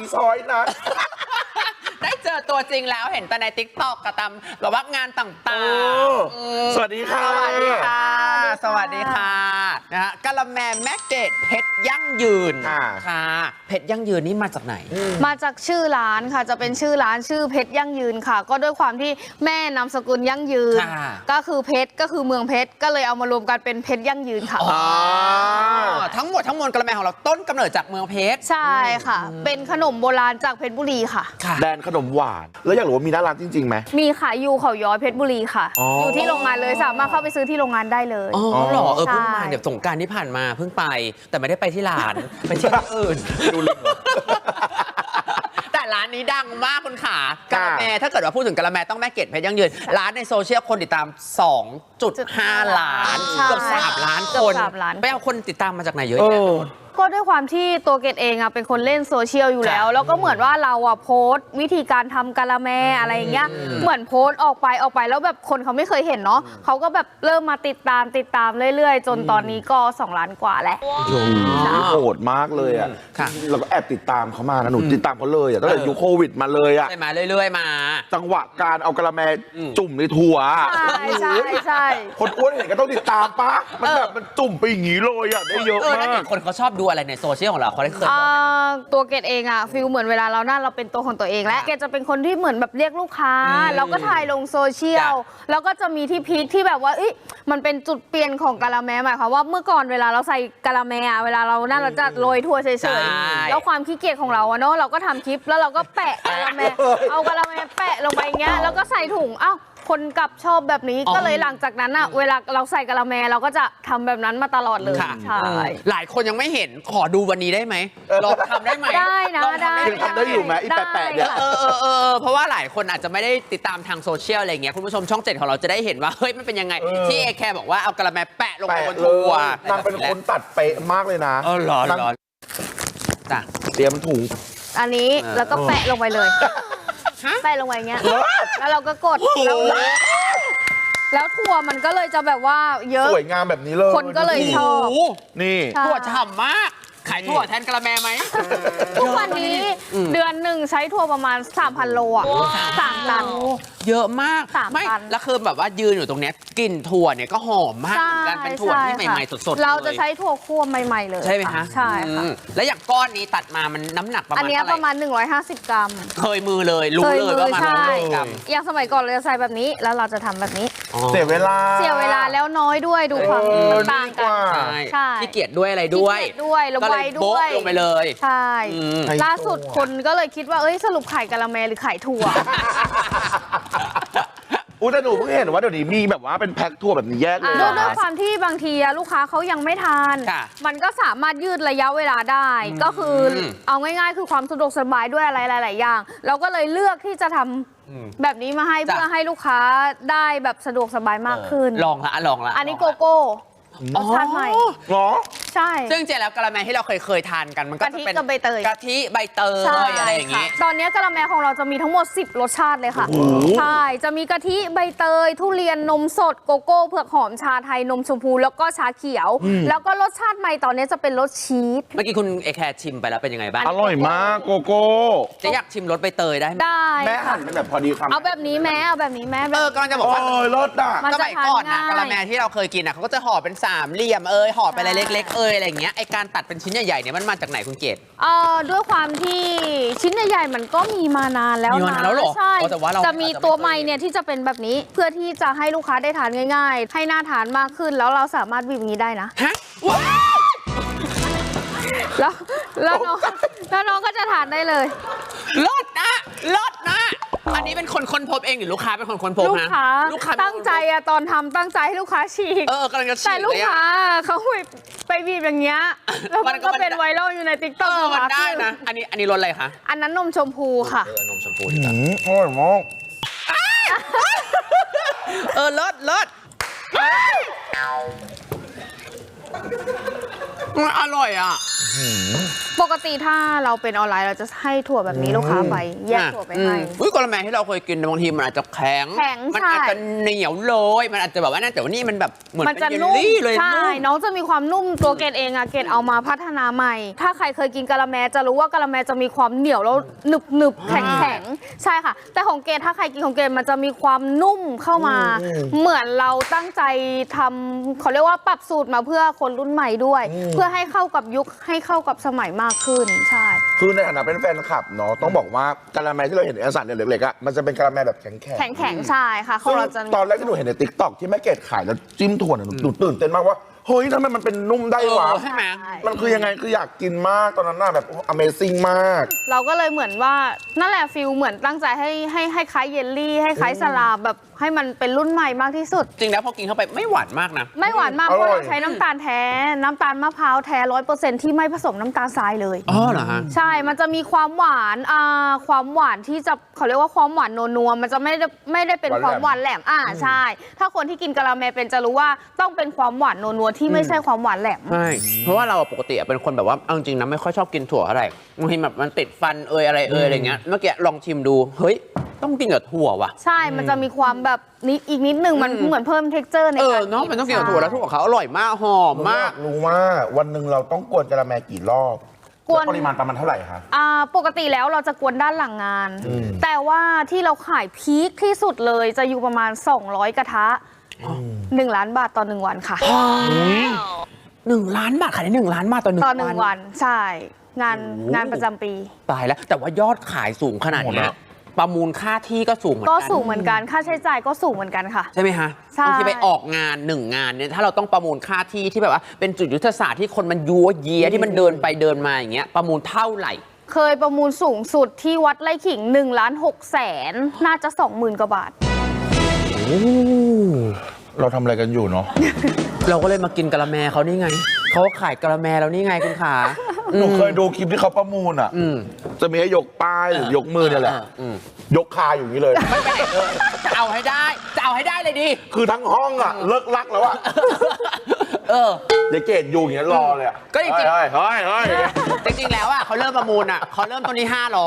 อีซอยนะได้เจอตัวจริงแล้วเห็นแต่ใน TikTok กับตามแบบว่างานต่างๆสวัสดีค่ะสวัสดีค่ะ สวัสดีค่ะนะฮะกะละแมแม่เกดเพชรยั่งยืนค่ะเพชรยั่งยืนนี่มาจากไหนมาจากชื่อร้านค่ะจะเป็นชื่อร้านชื่อเพชรยั่งยืนค่ะก็ด้วยความที่แม่นามสกุลยั่งยืนก็คือเพชรก็คือเมืองเพชรก็เลยเอามารวมกันเป็นเพชรยั่งยืนค่ะทั้งหมดทั้งมวลกะละแมของเราต้นกำเนิดจากเมืองเพชรใช่ค่ะเป็นขนมโบราณจากเพชรบุรีค่ะแดนขนมหวานแล้วอยากรู้ว่ามีหน้าร้านจริงๆไหมมีขายอยู่เขาย้อยเพชรบุรีค่ะอยู่ที่โรงงานเลยสามารถเข้าไปซื้อที่โรงงานได้เลยอ๋อเหรอเพิ่งมาเดี๋ยวสงกรานต์ที่ผ่านมาเพิ่งไปแต่ไม่ได้ไปที่ร้านไปที่อื่นดูเลยแต่ร้านนี้ดังมากคุณขากะละแมถ้าเกิดว่าพูดถึงกะละแมต้องแม่เกดเพชรยั่งยืนร้านในโซเชียลคนติดตาม 2.5 ล้านเกือบ3 ล้านคนไปเอาคนติดตามมาจากไหนเยอะแยะก็ด้วยความที่ตัวเกดเองอะเป็นคนเล่นโซเชียลอยู่แล้วแล้วก็เหมือนว่าเราอะโพสต์วิธีการทำกะละแมอะไรอย่างเงี้ยเหมือนโพสต์ออกไปแล้วแบบคนเขาไม่เคยเห็นเนาะเขาก็แบบเริ่มมาติดตามเรื่อยๆจนตอนนี้ก็2 ล้านกว่าแล้วโหดมากเลยอะเราก็แอบติดตามเขามานะหนูติดตามเขาเลยอะตั้งแต่ยุคโควิดมาเลยอะใช่มาเรื่อยๆมาจังหวะการเอากะละแมจุ่มในถั่วใช่คนอ้วนเห็นก็ต้องติดตามปะมันแบบมันจุ่มไปอย่างนี้เลยอะได้เยอะมากคนเขาชอบดูอะไรในโซเชียลของเราเขาได้เคยตัวเกดเองอะฟิลเหมือนเวลาเราหน้าเราเป็นตัวของตัวเองและเกดจะเป็นคนที่เหมือนแบบเรียกลูกค้าแล้วก็ถ่ายลงโซเชียลแล้วก็จะมีที่พีคที่แบบว่ามันเป็นจุดเปลี่ยนของกะละแมหมายความว่าเมื่อก่อนเวลาเราใส่กะละแมเวลาเราหน้าเราจะโรยทั่วเฉยๆแล้วความขี้เกียจของเราอะเนาะเราก็ทำคลิปแล้วเราก็แปะกะละแมเอากะละแมแปะลงไปเงี้ยแล้วก็ใส่ถุงคนกลับชอบแบบนี้ก็เลยหลังจากนั้นอะเวลาเราใส่กะละแมเราก็จะทำแบบนั้นมาตลอดเลยใช่หลายคนยังไม่เห็นขอดูวันนี้ได้ไหมลองทำได้ไหมได้นะได้ทำได้อยู่ไหมอีแปะเนี่ยเพราะว่าหลายคนอาจจะไม่ได้ติดตามทางโซเชียลอะไรเงี้ยคุณผู้ชมช่อง7ของเราจะได้เห็นว่าเฮ้ยมันเป็นยังไงที่เอแคร์บอกว่าเอากะละแมแปะลงไปบนถั่วนางเป็นคนตัดเป๊ะมากเลยนะหรอจ้ะเตรียมถุงอันนี้แล้วก็แปะลงไปเลยแปะลงไปเงี้ยแล้วเราก็กดแล้วถั่วมันก็เลยจะแบบว่าเยอะสวยงามแบบนี้เลยคนก็เลยชอบนี่ถั่วฉ่ำมากขายถั่วแทนกะละแมไหมทุกวันนี้เดือนหนึ่งใช้ถั่วประมาณ 3,000 โลอ่ะ3 ตันเยอะมากไม่แล้วคือแบบว่ายืนอยู่ตรงเนี้ยกลิ่นถั่วเนี่ยก็หอมมากการเป็นถั่วที่ใหม่ๆสดๆเราจะใช้ถั่วคั่วใหม่ๆเลยใช่ไหมคะใช่ค่ะแล้วอย่างก้อนนี้ตัดมามันน้ำหนักประมาณอันนี้ประมาณ150 กรัมเคยมือเลยรู้เลยว่ามัน150 กรัมอย่างสมัยก่อนเราจะใส่แบบนี้แล้วเราจะทำแบบนี้เสียเวลาแล้วน้อยด้วยดูความต่างกันใช่ขี้เกียจด้วยอะไรด้วยระบายด้วยลงไปเลยใช่ล่าสุดคนก็เลยคิดว่าสรุปขายกะละแมหรือขายถั่วแต่หนูเพิ่งเห็นว่าเดี๋ยวนี้มีแบบว่าเป็นแพ็คถั่วแบบนี้แยกเลยด้วยความที่บางทีลูกค้าเขายังไม่ทานมันก็สามารถยืดระยะเวลาได้ก็คือเอาง่ายๆคือความสะดวกสบายด้วยอะไรหลายๆอย่างเราก็เลยเลือกที่จะทำแบบนี้มาให้เพื่อให้ลูกค้าได้แบบสะดวกสบายมากขึ้นลองละอันนี้โกโก้รสชาติใหม่หรอใช่ซึ่งจริงแล้วกะละแมที่เราเคยทานกันมันก็จะเป็นกะทิกับใบเตยอะไรอย่างงี้ตอนนี้กะละแมของเราจะมีทั้งหมด10 รสชาติเลยค่ะใช่จะมีกะทิใบเตยทุเรียนนมสดโกโก้เผือกหอมชาไทยนมชมพูแล้วก็ชาเขียวแล้วก็รสชาติใหม่ตอนนี้จะเป็นรสชีสเมื่อกี้คุณเอแคร์ชิมไปแล้วเป็นยังไงบ้างอร่อยมากโกโก้จะอยากชิมรสใบเตยได้ไหมแม่หั่นเป็นแบบพอดีคำเอาแบบนี้แม่กำลังจะบอกว่ารสสมัยก่อนนะกะละแมที่เราเคยกินเขาก็จะห่อเป็น3 เหลี่ยมห่อไปอะไรเล็กๆอะไรอย่างเงี้ยไอการตัดเป็นชิ้นใหญ่ๆเนี่ยมันมาจากไหนคุณเกศด้วยความที่ชิ้นใหญ่ๆมันก็มีมานานแล้วนะใช่จะมีตัวใหม่เนี่ยที่จะเป็นแบบนี้เพื่อที่จะให้ลูกค้าได้ทานง่ายๆให้น่าทานมากขึ้นแล้วเราสามารถบีบนี้ได้นะฮะแล้วน้องก็จะทานได้เลยลดนะอันนี้เป็นคนค้นพบเองหรือลูกค้าเป็นคนค้นพบนะลูกค้าตั้งใจตอนทำตั้งใจให้ลูกค้าฉีกกำลังจะฉีกแต่ลูกค้าเขาไปบีบอย่างเงี้ยแล้วมันก็เป็นไวรัลอยู่ใน TikTok มันได้นะอันนี้รสอะไรคะอันนั้นนมชมพูค่ะนมชมพูดีกว่าอร่อยมากลดมันอร่อยอ่ะปกติถ้าเราเป็นออนไลน์เราจะให้ถั่วแบบนี้ลูกค้าไปแยกถั่วไปให้อุ้ยกะละแมที่เราเคยกินบางทีมันอาจจะแข็ง มันใช่อาจจะเหนียวเลยมันอาจจะแบบว่านั่นแต่ว่านี่มันแบบเหมือนมันเป็จะนเยลนุ่มลี่เลยใช่นุ่มน้องจะมีความนุ่มตัวเกดเองอะเกดเอามาพัฒนาใหม่ ถ้าใครเคยกินกะละแมจะรู้ว่ากะละแมจะมีความเหนียวแล้วหนึบหนึบๆแข็งแข็งใช่ค่ะ แต่ของเกดถ้าใครกินของเกดมันจะมีความนุ่มเข้ามา เหมือนเราตั้งใจทำเขาเรียกว่าปรับสูตรมาเพื่อคนรุ่นใหม่ด้วย เพื่อให้เข้ากับยุคให้เข้ากับสมัยมากขึ้นใช่คือในฐานะเป็นแฟนคลับเนาะต้องบอกว่ากะละแมที่เราเห็นในเอกสารเนี่ยเล็กๆอ่ะมันจะเป็นกะละแมแบบแข็งๆแข็งๆใช่ค่ะของเราจะตอนแรกที่หนูเห็นในติ๊กต็อกที่แม่เกดขายแล้วจิ้มถั่วเนี่ยหนูตื่นเต้นมากว่าเฮ้ยทำไมมันเป็นนุ่มได้วะใช่ไหมมันคือยังไงคืออยากกินมากตอนนั้นน่ะแบบ Amazing มากเราก็เลยเหมือนว่านั่นแหละฟิลเหมือนตั้งใจให้คล้ายเยลลี่ให้คล้ายสลาแบบให้มันเป็นรุ่นใหม่มากที่สุดจริงแล้วพอกินเข้าไปไม่หวานมากนะไม่หวานมากอเพร่อยราะเราใช้น้ำตาลแท้ น้ำตาลมะพร้าวแท้ 100%ที่ไม่ผสมน้ำตาลทรายเลยอ๋อเหรอฮะใช่ มันจะมีความหวานความหวานที่จะเขาเรียกว่าความหวานนัวๆมันจะไม่ได้เป็นความหวานแหลมใช่ ถ้าคนที่กินกะละแมเป็นจะรู้ว่าต้องเป็นความหวานนัวๆที่ไม่ใช่ความหวานแหลมใช่ เพราะว่าเราปกติเป็นคนแบบว่าเอาจริงนะไม่ค่อยชอบกินถั่วอะไรบางทีแบบมันติดฟันอะไรอะไรเงี้ย เมื่อกี้ลองชิมดู เฮ้ย ต้องกินกับถั่วว่ะใช่ มันจะมีความแบบนิดอีกนิดนึงมันเหมือนเพิ่ม texture ในการเนาะมันต้องกินกับถั่วแล้วถั่วเขาอร่อยมากหอมมามาก กรู้ว่าวันหนึ่งเราต้องกวนกะละแมกี่รอบกวนแปริมาณประมาณเท่าไหร่คะปกติแล้วเราจะกวนด้านหลังงาน แต่ว่าที่เราขายพีคที่สุดเลยจะอยู่ประมาณ 200 กระทะ 1 ล้านบาทต่อ 1 วันค่ะ 1 ล้านบาทขายได้1 ล้านบาทต่อต่อ 1 1 วันใช่ งานประจำปีตายแล้ว แต่ว่ายอดขายสูงขนาดเนี้ยประมูลค่าที่ก็สูงเหมือนก็กันสูงเหมือนกัน ค่าใช้จ่ายก็สูงเหมือนกันค่ะใช่ไหมฮะใช่บางทีไปออกงาน1 งานเนี่ยถ้าเราต้องประมูลค่าที่ที่แบบว่าเป็นจุดยุทธศาสตร์ที่คนมันยัวเยียที่มันเดินไปเดินมาอย่างเงี้ยประมูลเท่าไหร่เคยประมูลสูงสุดที่วัดไร่ขิง1,600,000น่าจะ 20,000 กว่าบาทเราทำอะไรกันอยู่เนาะเราก็เลยมากินกะละแมเขานี่ไงเขาขายกะละแมแล้วนี่ไงคุณขาหนูเคยดูคลิปที่เขาประมูลอ่ะ จะมีให้ยกป้ายหรือยกมือเนี่ยแหละ ยกคาอยู่อย่างนี้เลยไม่ไปไหนเลยจะเอาให้ได้เลยดิคือทั้งห้องอ่ะ เลิกลักแล้วอ่ะ เดี๋ยวเกดอยู่อย่างเงี้ยรอเลยอ่ะก็จริงๆเฮ้ยจริงๆแล้วอ่ะเขาเริ่มประมูลอ่ะเขาเริ่มต้นที่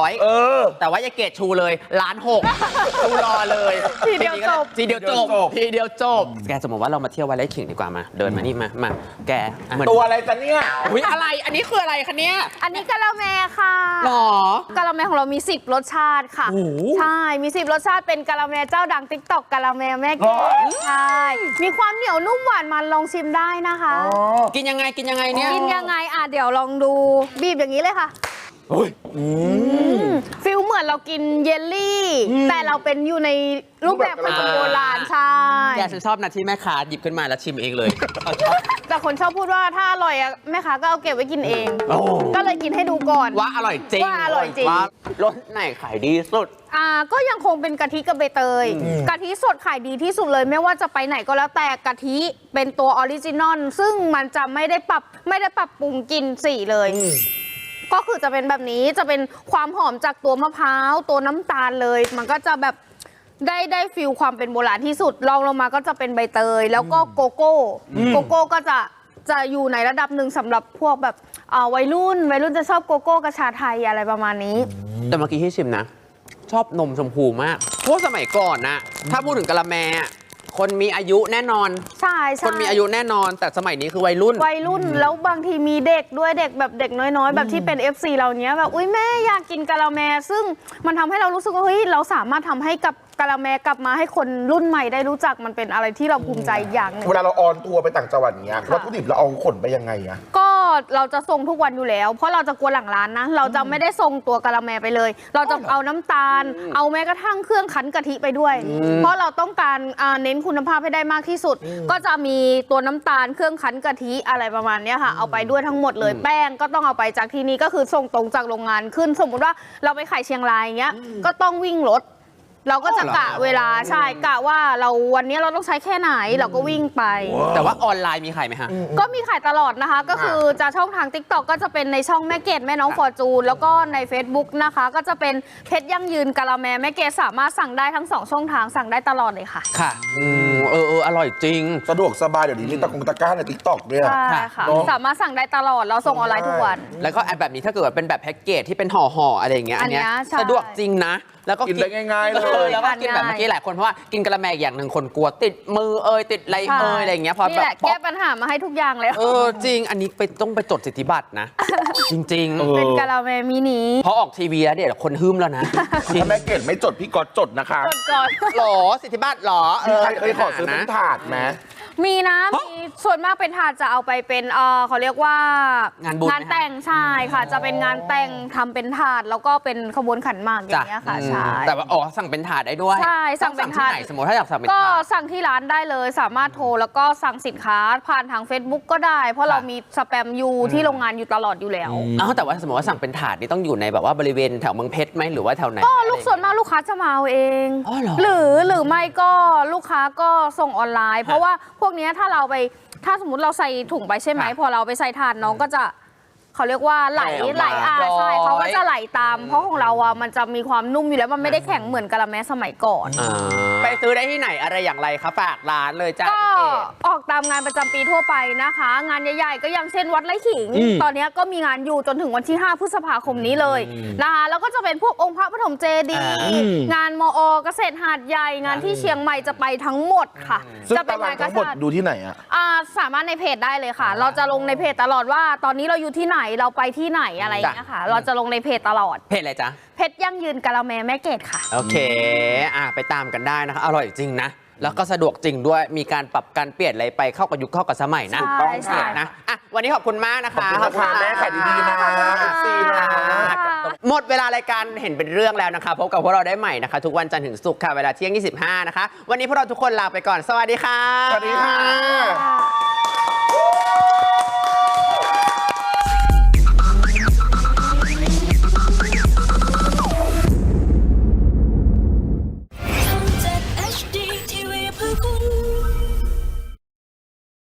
500แต่ว่ายายเกดชูเลย1,600,000ชูรอเลยทีเดียวจบทีเดียวจบแกสมมติว่าเรามาเที่ยววัดไร่ขิงดีกว่ามาเดินมานี่มาแกเหมือนตัวอะไรจะเนี่ยอุ๊ยอะไรอันนี้คืออะไรคะเนี่ยอันนี้กะละแมค่ะหรอกะละแมของเรามี 10 รสชาติค่ะโอ้โหใช่ มี 10 รสชาติเป็นกะละแมเจ้าดัง TikTok กะละแมแม่เกดใช่ มีความเหนียวนุ่มหวานมันลองชิมได้นะคะกินยังไงเนี่ยกินยังไงเดี๋ยวลองดูบีบอย่างนี้เลยค่ะเฮ้ยฟิลเหมือนเรากินเยลลี่ แต่เราเป็นอยู่ในรูปแบบขนมโบราณใช่แกฉันชอบนะที่แม่ค้าหยิบขึ้นมาแล้วชิมเองเลยแต่คนชอบพูดว่าถ้าอร่อยอะแม่ค้าก็เอาเก็บไว้กินเองโอ้ก็เลยกินให้ดูก่อนว่าอร่อยจริงว่าอร่อยจริงว่ารสไหนขายดีสุดก็ยังคงเป็นกะทิกับใบเตย กะทิสดขายดีที่สุดเลยไม่ว่าจะไปไหนก็แล้วแต่กะทิเป็นตัวออริจินอลซึ่งมันจะไม่ได้ปรับปรุงกลิ่นสีเลย ก็คือจะเป็นแบบนี้จะเป็นความหอมจากตัวมะพร้าวตัวน้ำตาลเลย มันก็จะแบบได้ฟิลความเป็นโบราณที่สุดรองลงมาก็จะเป็นใบเตย แล้วก็โกโก้โกโก้ก็จะอยู่ในระดับหนึ่งสำหรับพวกแบบวัยรุ่นจะชอบโกโก้กระชาไทยอะไรประมาณนี้แต่เมื่อกี้ที่ชิมนะ ชอบนมชมพูมากเพราะสมัยก่อนนะถ้าพูดถึงกะละแมคนมีอายุแน่นอนใช่คนมีอายุแน่นอน แต่สมัยนี้คือวัยรุ่นแล้วบางทีมีเด็กด้วยเด็กแบบเด็กน้อยๆ แบบที่เป็น FC เราเนี้ยแบบอุ้ยแม่อยากกินกะละแมซึ่งมันทำให้เรารู้สึกว่าเฮ้ยเราสามารถทำให้กับกะละแมกลับมาให้คนรุ่นใหม่ได้รู้จักมันเป็นอะไรที่เราภูมิใจอย่างหนึงเวลาเราออนทัวร์ไปต่างจังหวัดเนี้ยวัตถุดิบเราเอาขนไปยังไงอะก็เราจะส่งทุกวันอยู่แล้ว เพราะเราจะกลัวหลังร้านนะเราจะไม่ได้ส่งตัวกะละแมไปเลย เราจะเอาน้ำตาล เอาแม้กระทั่งเครื่องคั้นกะทิไปด้วย เพราะเราต้องการเน้นคุณภาพให้ได้มากที่สุด ก็จะมีตัวน้ำตาลเครื่องคั้นกะทิอะไรประมาณเนี้ยค่ะเอาไปด้วยทั้งหมดเลยแป้งก็ต้องเอาไปจากที่นี่ก็คือส่งตรงจากโรงงานขึ้น สมมติว่าเราไปขายเชียงรายอย่างเงี้ยก็ต้องวิ่งรถเราก็จะกะเวลาใช่กะว่าเราวันนี้เราต้องใช้แค่ไหนเราก็วิ่งไปแต่ว่าออนไลน์มีขายไหมฮะก็มีขายตลอดนะคะ ก็คือจะช่องทาง TikTok ก็จะเป็นในช่องแม่เกดแม่น้องฟอร์จูนแล้วก็ใน Facebook นะคะก็จะเป็นเพชรยั่งยืนกะละแมแม่เกดสามารถสั่งได้ทั้ง2ช่องทางสั่งได้ตลอดเลยค่ะค่ะอร่อยจริงสะดวกสบายเดี๋ยวนี้มีตะกร้าใน TikTok ด้วยใช่ค่ะเนอะสามารถสั่งได้ตลอดเราส่งออนไลน์ทุกวันแล้วก็แอปแบบนี้ถ้าเกิดว่าเป็นแบบแพ็กเกจที่เป็นห่อๆอะไรอย่างเงี้ยอันเนี้ยใช่สะดวกจริงนะ แล้วก็กินได้ง่ายๆเลยแล้วก็กินแบบเมื่อกี้หลายคนเพราะว่ากินกะละแมอย่างหนึ่งคนกลัวติดมือติดอะไรอะไรอย่างเงี้ยพอนี่แบแหบละแก้ปัญหามาให้ทุกอย่างเลยจริงอันนี้ต้องไปจดสิทธิบัตรนะ จริงเป็นกะละแมมินิๆพอออกทีวีแล้วเดี๋ยวคนฮึ่มแล้วนะจริงถ้าแม่เกดไม่จดพี่ก๊อตจดนะคะก่อนหรอสิทธิบัตรหรอใครเคยขอซื้อเป็นถาดไหมมีนะมีส่วนมากเป็นถาดจะเอาไปเป็นเขาเรียกว่างานบุญไหมคะแต่งใช่ค่ะ จะเป็นงานแต่งทำเป็นถาดแล้วก็เป็นขบวนขันหมากอย่างเงี้ยค่ะใช่แต่ว่าสั่งเป็นถาดได้ด้วยใช่สั่งเป็นถาดที่ไหนสมมติถ้าอยากสั่งเป็นก็ถาดสั่งที่ร้านได้เลยสามารถโทรแล้วก็สั่งสินค้าผ่านทาง Facebook ก็ได้ เพราะเรามีสแปมอยู่ที่โรงงานอยู่ตลอดอยู่แล้วแต่ว่าสมมติว่าสั่งเป็นถาดนี่ต้องอยู่ในแบบว่าบริเวณแถวเมืองเพชรไหมหรือว่าแถวไหนก็ลูกส่วนมากลูกค้าจะมาเอาเองอ๋อเหรอหรือไม่ก็ลูกค้าก็ส่งออนไลน์ เพราะว่าพวกเนี้ยถ้าสมมติเราใส่ถุงไปใช่ไหมค่ะพอเราไปใส่ถาดน้องก็จะเขาเรียกว่าไหลไหลออกมาใช่ร้อยเขาก็จะไหลตาม เพราะของเราอ่ะมันจะมีความนุ่มอยู่แล้วมันไม่ได้แข็งเหมือนกะละแมสมัยก่อนไปซื้อได้ที่ไหนอะไรอย่างไรคะฝากร้านเลยจ้าก็พี่เกดออกตามงานประจำปีทั่วไปนะคะ งานใหญ่ๆก็อย่างเช่นวัดไร่ขิง ตอนนี้ก็มีงานอยู่จนถึงวันที่ 5 พฤษภาคมนี้เลยนะคะแล้วก็จะเป็นพวกองค์พระปฐมเจดีย์งานมอเกษตรหาดใหญ่งานที่เชียงใหม่จะไปทั้งหมดค่ะซึ่งจะเป็นานตารงกทั้งหมดษัตริย์ดูที่ไหนอะสามารถในเพจได้เลยค่ะ เราจะลงในเพจตลอดว่า ตอนนี้เราอยู่ที่ไหนเราไปที่ไหนอะไรอย่างเงี้ยค่ะ เราจะลงในเพจตลอดเพจอะไรจ๊ะเพชรยั่งยืนกะละแมแม่เกดค่ะโอเคไปตามกันได้นะคะ อร่อยจริงนะ แล้วก็สะดวกจริงด้วย มีการปรับการเปลี่ยนอะไรไปเข้ากับยุคเข้ากับสมัยนะถูกต้องค่ะนะวันนี้ขอบคุณมากนะคะขอบคุณนะคะแม่ขายดีๆนะ FC นะหมดเวลารายการเห็นเป็นเรื่องแล้วนะคะ พบกับพวกเราได้ใหม่นะคะ ทุกวันจันทร์ถึงศุกร์ค่ะ เวลาเที่ยง 25 นะคะ วันนี้พวกเราทุกคนลาไปก่อน สวัสดีค่ะสวัสดีค่ะ